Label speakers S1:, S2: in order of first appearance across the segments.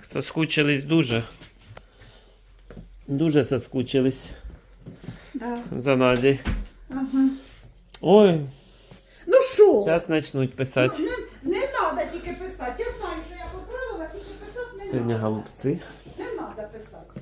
S1: Так, соскучились дуже. Дуже соскучились
S2: Да.
S1: за Надей.
S2: Ага.
S1: Ой,
S2: Ну що?
S1: зараз почнуть писати.
S2: Ну, не треба тільки писати. Я знаю, що я поправила, тільки писати не
S1: Сьогодні
S2: треба.
S1: голубці.
S2: Не треба писати.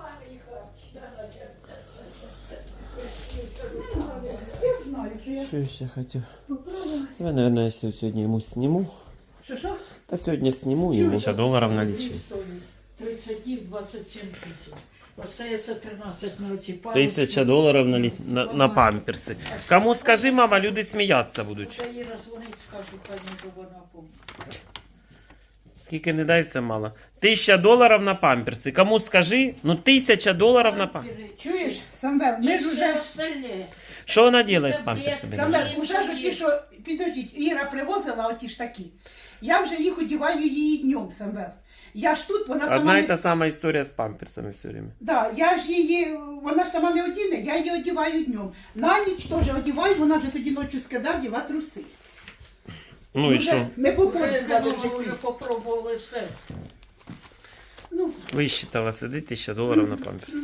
S2: Не надо. Я знаю, що я
S1: Що я ще хотів?
S2: поправилась.
S1: Я, наверное, сьогодні йому сніму.
S2: Що?
S1: Та сьогодні сніму йому. $50 на лічі.
S3: 30 днів, 27 тисяч. Остається 13 на оці
S1: $1000 на памперси. Кому скажи, мама, люди сміятися будуть.
S3: Та їй розвонить, скажу, хай не вона помнить.
S1: Скільки не дай, все мало. $1000 на памперси. Кому скажи, ну $1000 на памперси.
S2: Чуєш, Самвел, ми
S3: І
S2: ж
S3: все
S2: уже...
S3: остальне.
S1: Що вона робить з памперсами?
S2: Самвел,
S3: Ні,
S2: уже ж
S3: ні.
S2: ті, що... Підождіть, Іра привозила оті ж такі. Я вже їх одіваю її днем, Самвел. Я ж тут, вона сама
S1: Одна і
S2: не...
S1: та сама історія з памперсами все время.
S2: Да, я ж її, вона ж сама не одіне, я її одіваю днем. На ніч теж одіваю, вона вже тоді ночі скидав, діва труси.
S1: Ну і
S2: Вже
S1: що?
S2: Ми
S3: Вже
S2: попробували в
S3: вже
S2: житті.
S3: попробували все.
S2: Ну,
S1: Висчитала, сидить $1000 на памперси.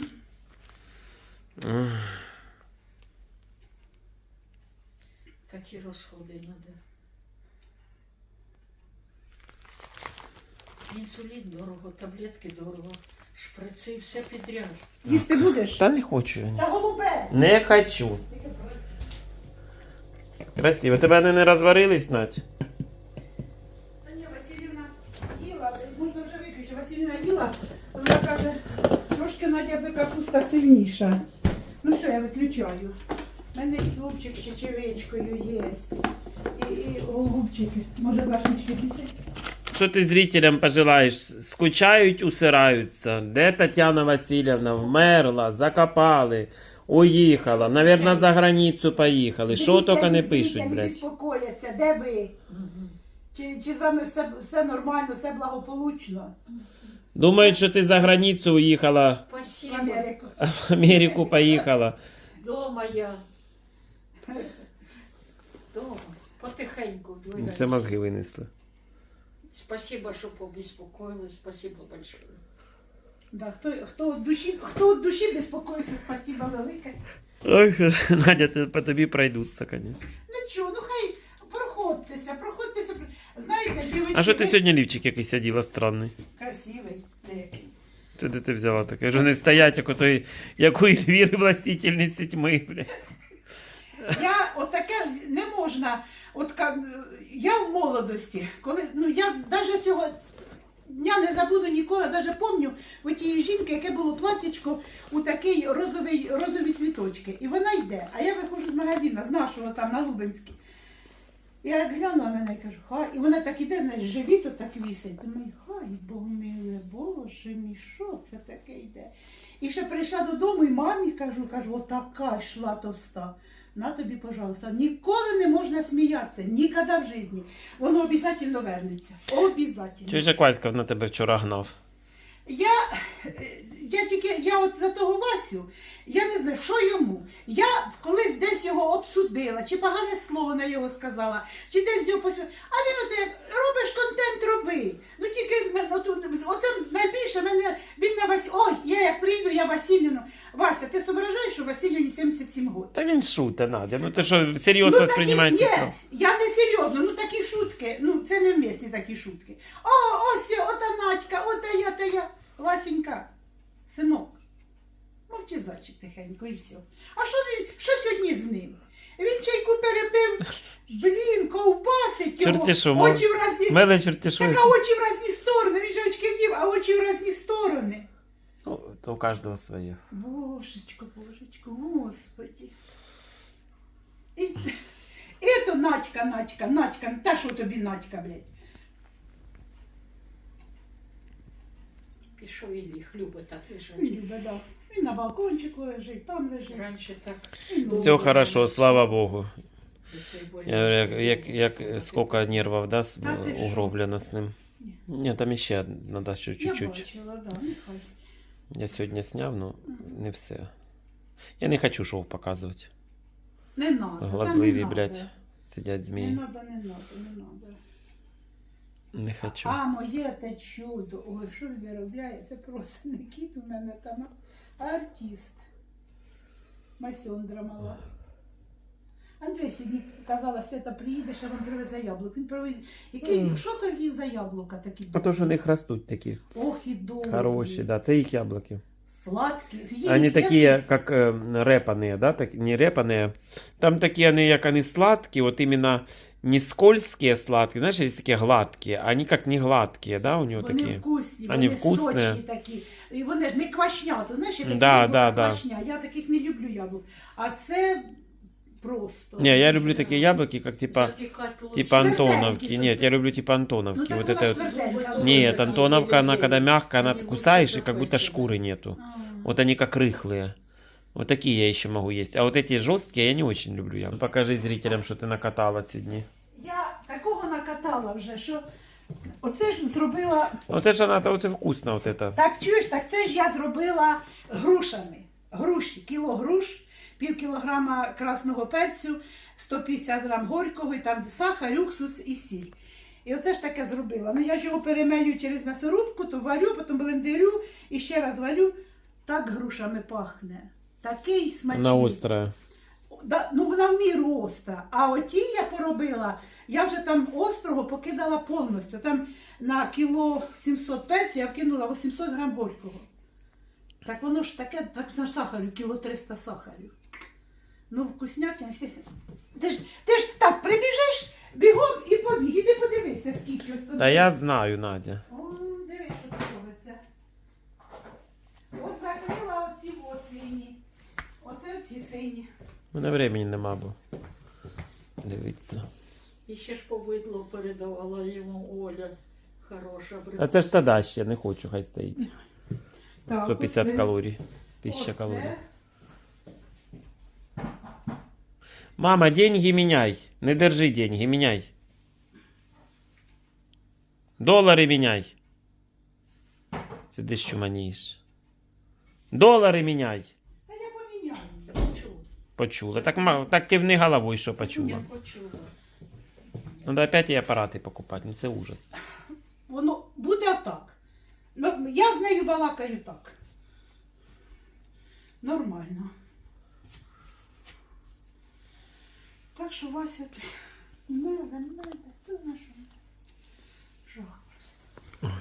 S3: Такі розходи треба. Інсулін дорого, таблетки дорого, шприци, все підряд.
S2: їсти будеш?
S1: Та не хочу я.
S2: Та голубе!
S1: Не хочу. Красиво. Тебе вони не розварились, Надь?
S2: Та ні, Василівна їла, можна вже виключити. Василівна їла, вона каже, трошки Надя би капуста сильніша. Ну що, я виключаю. У мене і хлопчик з чечевичкою є. І голубчики. Може, башнички після?
S1: Що ти зрителям пожелаєш? Скучають, усираються. Де Тетяна Васильівна? Вмерла, закопали, уїхала. Навірно, за границю поїхали. Що тільки не пишуть,
S2: блядь.
S1: блядь.
S2: Безпокояться, де ви? Чи з вами все нормально, все благополучно?
S1: Думають, що ти за границю уїхала,
S2: В
S3: Спасибо.
S2: Америку.
S1: в Америку поїхала.
S3: Дома я. Дома. Потихеньку.
S1: Все мозги винесли.
S3: Спасибо, що побеспокоїли. Спасибо большое.
S2: Да, хто від душі безпокоївся, спасибо велике.
S1: Ой, Надя, по тобі пройдуться, звісно.
S2: Нічого, ну хай проходьтеся. Знаєте, дівчатки...
S1: А що ти сьогодні лівчик якийсь оділа странний?
S2: Красивий деякий.
S1: Це де ти взяла таке? Вже не стоять, як у Ельвіри властительниці тьми, блядь.
S2: Я отаке не можна. Я в молодості, коли я навіть цього дня не забуду ніколи, навіть пам'ятаю у тієї жінки, яке було платтячко у такий розові цвіточки. І вона йде, а я виходжу з магазину, з нашого там на Лубенській. Я як глянула на неї, кажу, хай. І вона так іде, знаєш, живіт отак вісить. Думаю, хай, Бог миле, Боже мій, що це таке йде? І ще прийшла додому і мамі кажу, отака йшла товста. На тобі, пожалуйста, ніколи не можна сміятися, ніколи в житті. Воно обов'язково вернеться. Обов'язково.
S1: Чого ж Васька на тебе вчора гнав?
S2: Я от за того Васю, я не знаю, що йому. Я колись десь його обсудила, чи погане слово на його сказала, чи десь його посвятила. А він от як, робиш контент, роби. Ну тільки, оце найбільше він на Васі. Ой, я як прийду, я Василівну. Вася, ти зображаєш, що Василівні 77 років?
S1: Та він шуте, Надя. Ну ти що, серйозно сприймаєш це слово?
S2: Я не серйозно, такі шутки, це невмісні такі шутки. Ось, ота Надька, ота я. Васенька, синок, мовчи зайчик тихенько і все. А що сьогодні з ним? Він чайку перепив, ковбасить його,
S1: Чортішу,
S2: очі в разні...
S1: Меле чортішу.
S2: Так, а очі в разні сторони, він же очки вдів, а очі в разні сторони.
S1: Ну, то у кожного своє.
S2: Божечко, Господи. І то Надька, та що тобі Надька, блядь?
S3: Пішов і ліг, любить так лежать.
S2: Любить, да. Він на балкончику лежить, там лежить.
S3: Раніше так.
S1: Все хорошо, слава Богу.
S3: до цієї болі
S1: Як скільки нервів, да,
S2: Та ти що?
S1: угроблено з ним. Ні, там ще треба ще
S2: Я
S1: чуть-чуть.
S2: бачила, да, нехай.
S1: Я сьогодні зняв, ну не все. Я не хочу шоу показувати.
S2: Не надо.
S1: Глазливі,
S2: та не
S1: блядь,
S2: надо.
S1: сидять
S2: Не
S1: змії.
S2: надо.
S1: Не хочу.
S2: А моє те чудо. Ой, що він виробляє? Це просто не кіт у мене там, а артист. Масьондра мала. Андрій сьогодні казала, Свята, приїдеш, а вам привезе яблук. Він привез. Який, що то віз за яблука такі?
S1: А то, що у них ростуть такі.
S2: Ох і добрі.
S1: Хороші, да. Це їх яблуки.
S2: Сладкі. З'їсть,
S1: Они
S2: я
S1: такие, как репаные, да, так, не репаные. Там такие они, как они сладкие, вот именно не скользкие сладкие, знаешь, есть такие гладкие, а они как не гладкие, да, у него
S2: Вони
S1: такие.
S2: вкусні,
S1: Вони
S2: вони
S1: вкусні.
S2: сочні такі. І вони ж не квашня, то знаєш, я такі
S1: Да,
S2: яблука
S1: да, да.
S2: квашня. Я таких не люблю яблук. А це просто.
S1: Не, я люблю такие яблоки, как типа
S3: Запікати лучше.
S1: типа Антоновки.
S2: Тверденькие,
S1: Нет, я люблю типа Антоновки.
S2: Ну, так
S1: Вот
S2: вона ж
S1: это.
S2: тверденька.
S1: Нет, Антоновка, она когда мягкая, она
S3: Они
S1: кусаешь, и
S3: лучше
S1: как будто
S3: захвачены.
S1: шкуры нету.
S2: А.
S1: Вот они как рыхлые. Вот такие я еще могу есть. А вот эти жесткие я не очень люблю. Я. Покажи зрителям, что ты накатала ці дні.
S2: Я такого накатала вже, що оце ж зробила.
S1: Вот это же вот это вкусно, вот это.
S2: Так чуєш, так це ж я зробила грушами. Груші, кіло груш, пів кілограма красного перцю, 150 грам горького, і там сахар, уксус і сіль. І оце ж таке зробила. Ну я ж його перемелюю через м'ясорубку, то варю, потім блендерю і ще раз варю. Так грушами пахне. Такий смачний.
S1: Она острая.
S2: Да, ну вона в міру остра. А оті я поробила, я вже там острого покидала повністю. Там на кіло 700 перцю я вкинула 800 грам горького. Так воно ж таке, так на сахарю, кіло 300 сахарю. Ну, вкуснятина. Ти ж так прибіжиш, бігом і побіг. Іди подивися, скільки ось тут.
S1: Да я знаю, Надя.
S2: О, дивись, що тут робиться. Ось закрила оці сині. Оце ці сині.
S1: У мене времени нема, бо. Дивіться.
S3: І ще ж повидло передавала йому Оля. Хороша
S1: А це ж тоді ще, не хочу, хай стоїть.
S2: Так,
S1: 150
S2: оце.
S1: калорій. 1000
S2: Оце.
S1: калорій. Мама, деньги міняй. Не держи деньги, міняй. Долари міняй. Сидиш, чуманієш. Долари міняй.
S2: Та я поміняю.
S3: Я почула.
S1: Почула. Так кивни головою, що
S3: Я
S1: почула.
S3: почула.
S1: Надо опять і апарати покупати, ну це ужас.
S2: Воно буде так. Ну, я з нею балакаю так. Нормально. Так що Вася, миле, ти знаєш, що жах просто.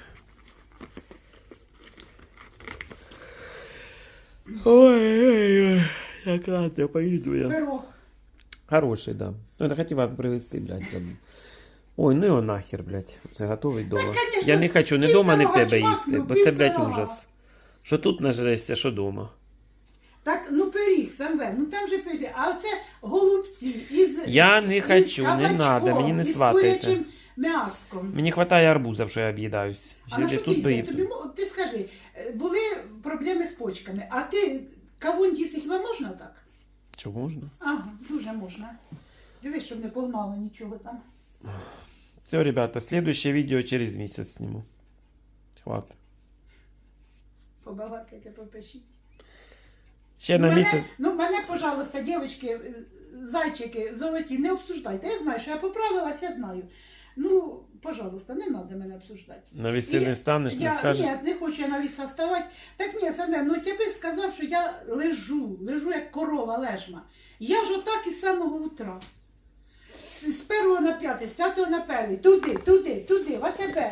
S1: Ой-ой-ой. Як раз я поїду я.
S2: Пирог.
S1: Хороший, да. Ну, это хотів вам привезти, блядь. Там. Ой, ну його нахер, блядь. Це готовий дома.
S2: конечно,
S1: Я не хочу ні
S2: пів
S1: дома, ні в
S2: пирога
S1: тебе
S2: чмакну,
S1: їсти, бо
S2: пів
S1: це, блядь,
S2: пирога.
S1: ужас. Що тут нажрешся, що дома.
S2: Так, ну пиріг, Самвел, ну там же пиріг. А оце голубці із
S1: Я не
S2: із
S1: хочу, не
S2: кабачком,
S1: надо, мені не
S2: із
S1: сватайте.
S2: курячим м'яском.
S1: Мені хватає арбузів, що я об'їдаюсь.
S2: А на що
S1: Тут
S2: ти
S1: би...
S2: їсти? Тобі, ти скажи, були проблеми з почками, а ти кавун їсти хіба можна так?
S1: Що можна?
S2: Ага, дуже можна. Дивись, щоб не погнало нічого там.
S1: Все, ребята, следующее видео через місяць сниму. Хватит.
S2: Побалакайте, попишіть.
S1: Ще на місяць.
S2: Мене, пожалуйста, дівчатки, зайчики, золоті, не обсуждайте. Я знаю, що я поправилась, я знаю. Ну, пожалуйста, не треба мене обсуждати.
S1: На весілля не станеш, не скажеш.
S2: Ні, не хочу я на віса ставати. Так ні, Семен, ну тебе сказав, що я лежу як корова лежма. Я ж отак із самого утра. З 1 на 5, з 5 на 1, туди, в АТБ.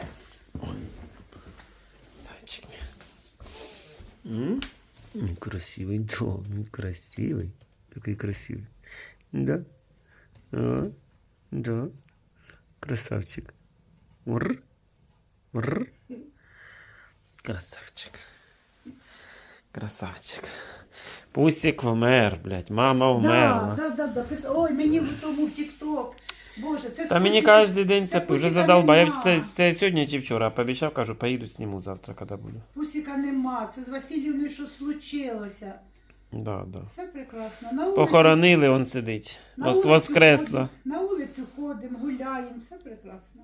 S1: Зайчик. Красивый дом, красивый. Такой красивый. Да? А, да. Красавчик. Ур. Ур. Красавчик. Красавчик. Пусик вмер, блядь. Мама вмерла.
S2: Да. Ой, мені в тому тік-ток. Боже, це
S1: Та мені
S2: спосіб-
S1: кожен день це
S2: це
S1: вже
S2: Пусіка
S1: задолбав. Я
S2: нема.
S1: це сьогодні чи вчора пообіцяв, кажу, поїду сніму завтра, коли буду.
S2: Пусіка нема, це з Васильівною що случилося.
S1: Да.
S2: Все прекрасно. На вулиці,
S1: Похоронили, он сидить.
S2: на вулицю
S1: Воскресла.
S2: ходимо, на вулицю ходимо, гуляємо, все прекрасно.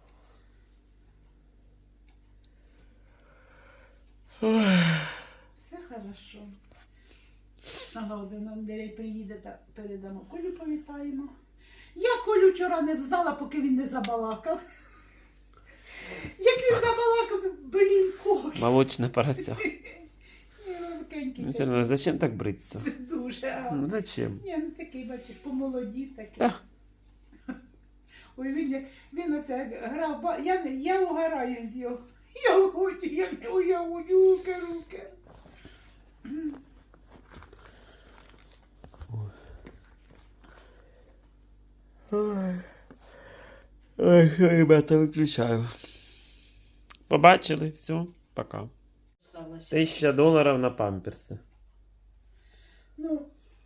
S2: Все хорошо. Ага, один Андрій приїде та передамо. Колю повітаємо. Я Колю вчора не знала, поки він не забалакав. Як він забалакав, блін, кой.
S1: Молочне порося.
S2: Робкенький
S1: Ну, Сережа, зачем так бриться?
S2: дуже. А.
S1: Ну, зачем?
S2: Ні, ну такий, бачиш, помолодів такий.
S1: Так.
S2: Ой, він оце грав, я угораю з його. Я не уявлю, руки.
S1: Ой, ребята, виключаю. Побачили? Все, пока.
S3: Осталося.
S1: $1000 на памперси.
S2: Ну,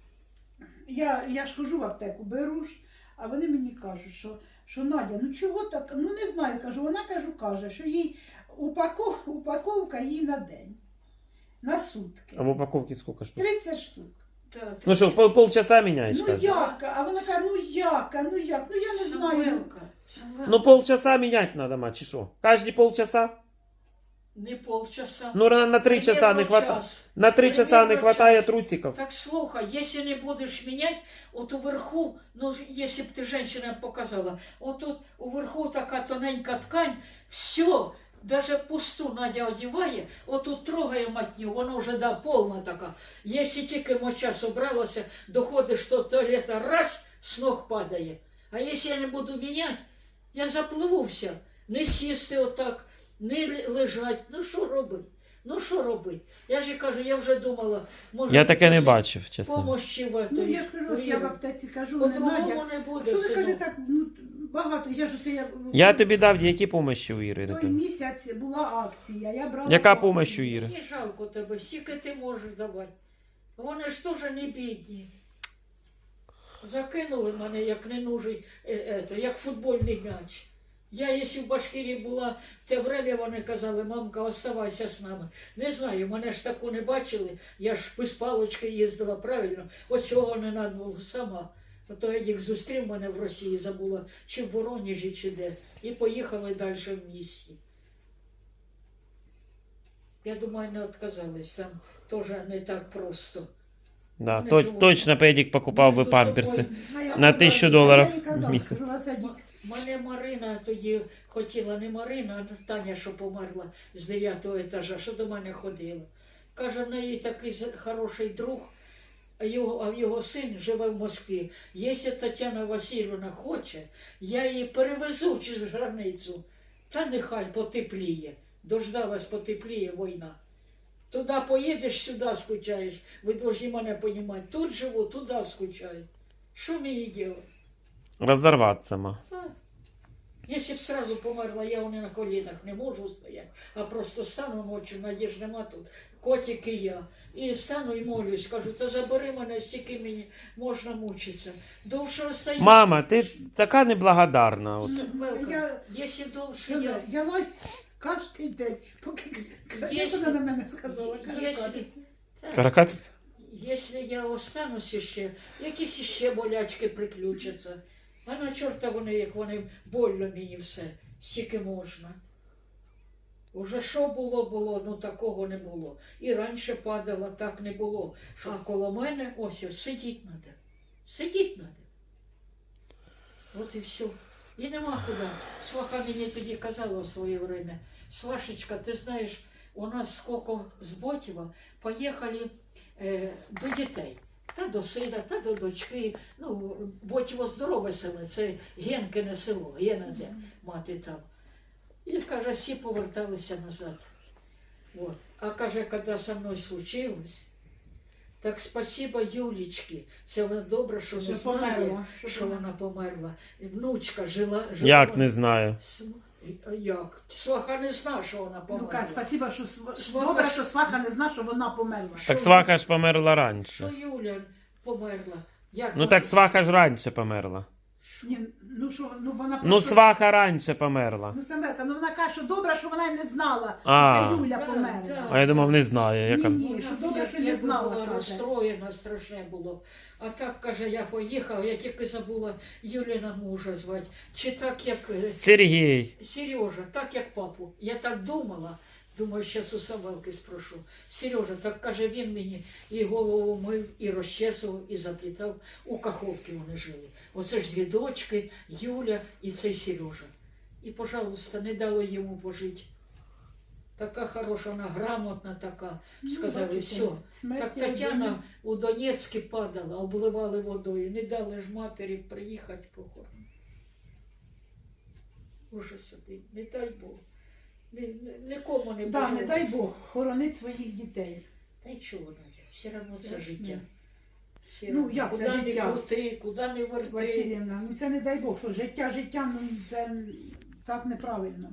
S2: я ж хожу в аптеку, беру ж, а вони мені кажуть, що Надя, ну чого так, ну не знаю, кажу, вона каже, що їй упаковка їй на день, на сутки.
S1: А в упаковке сколько штук?
S2: 30 штук.
S3: Так.
S1: Ну что, полчаса меняешь,
S2: Ну
S1: кажешь?
S2: як? А вона каже, ну як, ну я не знаю.
S3: Самвелка, Самвелка.
S1: Ну полчаса менять надо, мать, чи що? Каждые полчаса?
S3: Не полчаса.
S1: Ну на 3 часа не
S3: Примерно
S1: хватает.
S3: час.
S1: На 3 часа не
S3: Примерно
S1: хватает
S3: час.
S1: трусиков.
S3: Так слухай, если не будешь менять, вот уверху, ну если бы ты женщина показала, вот тут уверху такая тоненькая ткань, все, даже пусту Надя одеває, вот тут трогає матню, вона вже да, повна така. Если тільки моча собралася, доходиш до туалета, раз, с ног падає. А если я не буду менять, я запливу вся. Не сісти отак, не лежать. Ну що робить? Ну що робить? Я ж і кажу, я вже думала, може...
S1: Я таке не бачив, чесно.
S3: Помощі в
S2: Ну
S3: этой.
S2: я кажу, ось я в аптеці кажу, не Надя.
S3: По-другому не буде,
S2: Що ви каже
S3: синок.
S2: так, ну багато, я ж оце
S1: Я тобі дав, які помощі у Іри?
S2: той місяць була акція, я брала.
S1: Яка
S2: акцію.
S1: помощь у Іри?
S3: Мені жалко тебе, скільки ти можеш давати. Вони ж теж не бідні. Закинули мене, як ненужий, як футбольний м'яч. Я, якщо в Башкирії була, в те время вони казали, мамка, оставайся з нами. Не знаю, мене ж таку не бачили, я ж без палочки їздила, правильно. От цього не треба було сама. А то Едік зустрів мене в Росії, забула, чи в Воронежі, чи де. І поїхали далі в місті. Я думаю, не відказались, там теж не так просто.
S1: Да,
S3: Вони живуть.
S1: точно Педик покупав би
S3: Між
S1: памперси.
S3: собою.
S2: А я
S1: На
S2: казала,
S1: $1000
S2: я їй казала,
S1: в місяць.
S2: кажу, Васадік,
S3: Мене Марина тоді хотіла, не Марина, а Таня, що померла з 9-го етажа, що до мене ходила. Каже, в неї такий хороший друг, а його син живе в Москві. Якщо Тетяна Васильівна хоче, я її перевезу через границю. Та нехай потепліє. Дождалась потепліє війна. Туди поїдеш, сюди скучаєш. Ви повинні мене розуміти. Тут живу, туди скучаю. Що мені робити?
S1: Розорватися, ма.
S3: Если б сразу померла, я не на коленах не можу стояти, а просто стану ночью, надіж нема тут, котик і я. І стану і молюсь, кажу, та забери мене, стільки мені можна мучитися. Довше остаюсь.
S1: Мама, ти така неблагодарна. От.
S3: Велка, якщо довше
S2: що
S3: я...
S2: я лай кожен день, поки як
S3: Якщо-
S2: вона на мене сказала,
S3: Якщо-
S2: каракатиця.
S1: Каракатиця?
S3: Якщо я останусь ще, якісь ще болячки приключаться. А на чорта вони, як вони больно мені все, стільки можна. Уже що було, ну такого не було. І раніше падало, так не було. А коло мене, ось, сидіть треба. Сидіть треба. От і все. І нема куди. Сваха мені тоді казала в своє время. Свашечка, ти знаєш, у нас скільки з Ботєва поїхали до дітей. Та до сина, та до дочки. Ну, Ботєво здорове село, це Генкине село, Гена де мати там. І каже, всі поверталися назад. Вот. А каже, коли со мною случилось, так спасибо Юлічки. Це вона добре, що не
S2: Що
S3: знає,
S2: померла.
S3: що вона померла. І внучка жила.
S1: Як не знаю.
S3: Як? Сваха не знає, що вона
S2: Ну,
S3: померла.
S2: каже, спасибо, що
S3: Сваха
S2: добре,
S3: ж-
S2: що сваха не знає, що вона померла.
S1: Так сваха ж померла раніше.
S3: Що Юля померла? Як
S1: Ну
S3: вона-
S1: так сваха ж раніше померла.
S2: Ні, ну що, ну вона
S1: Ну
S2: просто-
S1: сваха раніше померла.
S2: Ну, Самелка, ну вона каже, що добре, що вона й не знала,
S1: А.
S2: що це Юля
S3: Да,
S2: померла.
S3: да.
S1: А я думав, не знає. Яка...
S2: Ні, що добре, що не
S3: я
S2: знала,
S3: була
S2: каже.
S3: розстроєна, страшне було. А так, каже, я поїхав, я тільки забула Юліна мужа звати. Чи так, як
S1: Сергій.
S3: Сережа, так як папу. Я так думала, думаю, зараз у Савелки спрошу. Сережа, так каже, він мені і голову мив, і розчесував, і заплітав. У Каховці вони жили. Оце ж дві дочки, Юля і цей Сережа. І, пожалуйста, не дали йому пожити. Така хороша, вона грамотна така. Сказали,
S2: бачите,
S3: все.
S2: смерть
S3: Так
S2: як
S3: Тетяна
S2: день.
S3: у Донецьку падала, обливали водою. Не дали ж матері приїхати похорон. Ужас один. Не дай Бог. Нікому не
S2: Да,
S3: бажаю.
S2: не дай Бог, хоронить своїх дітей.
S3: Та й чого, Надя? Все одно це життя. Все
S2: Ну,
S3: равно.
S2: як це
S3: куди не
S2: життя?
S3: крути, куди не верти.
S2: Василівна, ну це не дай Бог, що життя, ну це так неправильно.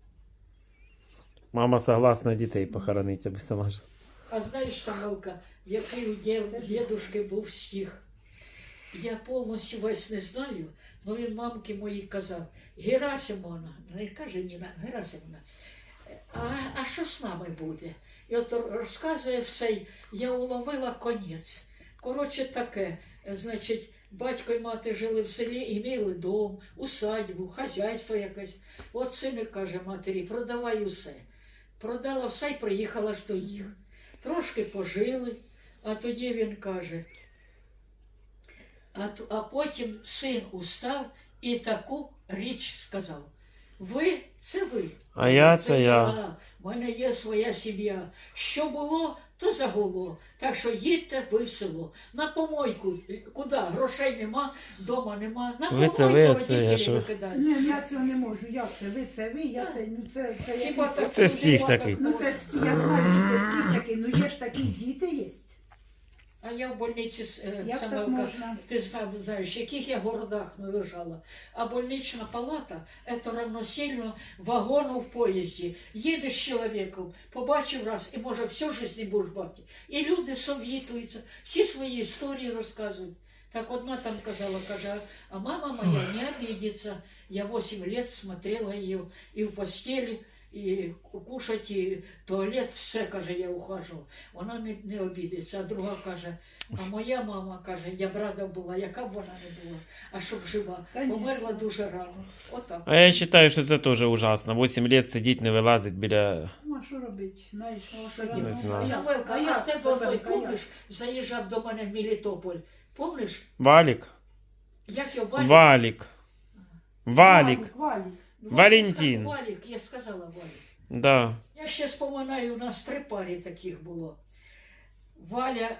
S1: Мама согласна дітей похоронити, аби сама ж.
S3: А знаєш, Самелка, який у дідушки був стих? Я повністю весь не знаю, але він мамки моїй казав: Герасимовна, не каже Ніна, Герасимовна, а що з нами буде? І от розказує все, я уловила конець. Коротше таке, значить, батько і мати жили в селі і мали дом, усадьбу, хазяйство якесь. От син каже матері, продавай усе. Продала все і приїхала ж до їх. Трошки пожили, а тоді він каже, а потім син устав і таку річ сказав. Ви – це ви.
S1: А я – це я.
S3: У мене є своя сім'я. Що було, то загуло. Так що їдьте ви в село. На помойку. Куди? Грошей нема, дома нема. На
S1: Ви – це
S3: помойку
S1: ви, це я,
S3: родителі
S1: що?
S3: викидають.
S2: Ні, я цього не можу. Як це ви, я це, ну це
S3: Хіба
S2: якийсь-
S3: так
S1: Це стих
S3: хіба
S1: такий.
S3: так
S2: Ну
S3: можна?
S2: це я знаю, що це стих такий, ну є ж такі діти є.
S3: А я в больниці,
S2: Як так
S3: Самелка,
S2: можна?
S3: ти знаєш, в яких я городах не лежала. А больнична палата – це равносильно вагону в поїзді. Їдеш з чоловіком, побачив раз, і може всю життя не будеш бачити. І люди совітуються, всі свої історії розказують. Так одна там казала, каже, а мама моя не обидится. Я 8 лет смотрела ее и в постели, і кушать, і туалет, все, каже, я ухажував. Вона не обідеться. А друга каже, а моя мама, каже, я б рада була, яка б вона не була, а щоб жива.
S2: Конечно.
S3: Померла дуже рано. Отак.
S1: А я вважаю, що це теж ужасно. 8 років сидіти, не вилазить біля...
S2: Ну а що робити? Знаєш, що
S3: Не
S2: робити?
S1: знаю.
S3: Самелка,
S2: як,
S3: а в тебе
S2: Самелка,
S3: той,
S2: як?
S3: помниш, заїжджав до мене в Мелітополь. Помниш?
S1: Валік?
S3: Як його Валік?
S1: Валік. Валік.
S2: Валік.
S1: Валентин.
S3: Валік, я сказала Валік.
S1: Да.
S3: Я ще споминаю, у нас 3 пари таких було. Валя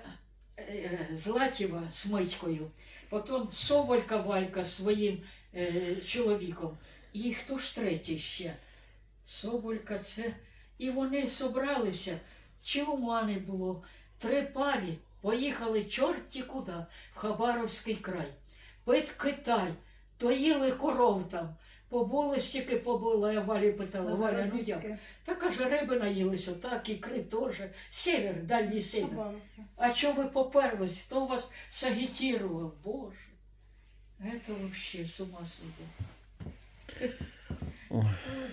S3: Златєва з Митькою, потім Соболька Валька з своїм чоловіком. І хто ж третій ще? Соболька це. І вони зібралися, чи ума не було. 3 пари поїхали чорті куди, в Хабаровський край. Під Китай, доїли коров там. Побули, стільки побула, я Валі питала, Валя, ну як? Та каже, риби наїлися, так, ікри теж. Север, дальній север. А що ви поперлись? Хто вас сагітірував? Боже, це взагалі з ума сойти.
S1: Ой.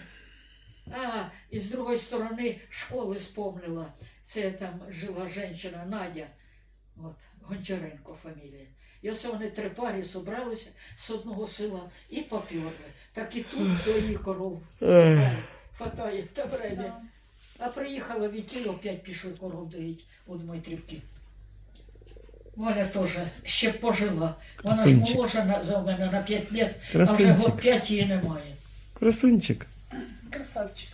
S3: А, і з другої сторони школи спомнила. Це там жила жінка Надя, от, Гончаренко фамілія. І оце вони 3 пари зібралися з одного села і поперли. Так і тут до їх коров хватає в те время. А приїхала Вітіль, опять пішли коров доїть у Дмитрівки. Валя теж ще пожила. Вона ж
S1: Красунчик.
S3: молодша за мене на 5 років, а вже
S1: Красунчик.
S3: год 5 її немає.
S1: Красунчик.
S2: Красавчик.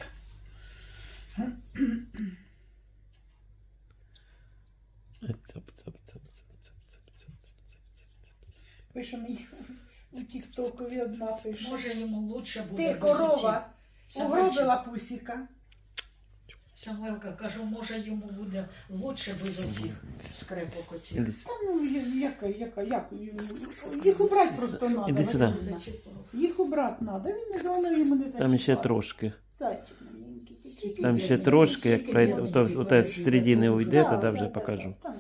S2: Пише мені у тіктокові одна пише.
S3: Може йому лучше буде.
S2: Ти
S3: без
S2: корова,
S3: оцих
S2: угробила пусіка.
S3: Самвелка, кажу, може йому буде лучше без оцих скрепок оцих.
S1: Іди сюди.
S2: Та ну, як? Їх убрати просто треба.
S1: Іди сюди.
S2: Василівна. Їх убрати треба, він не зелений йому не зачіпає.
S1: Там ще трошки.
S2: Зайчик маленький.
S1: Там ще трошки, як пройде, то з середини уйде, тоді вже покажу.
S2: Так.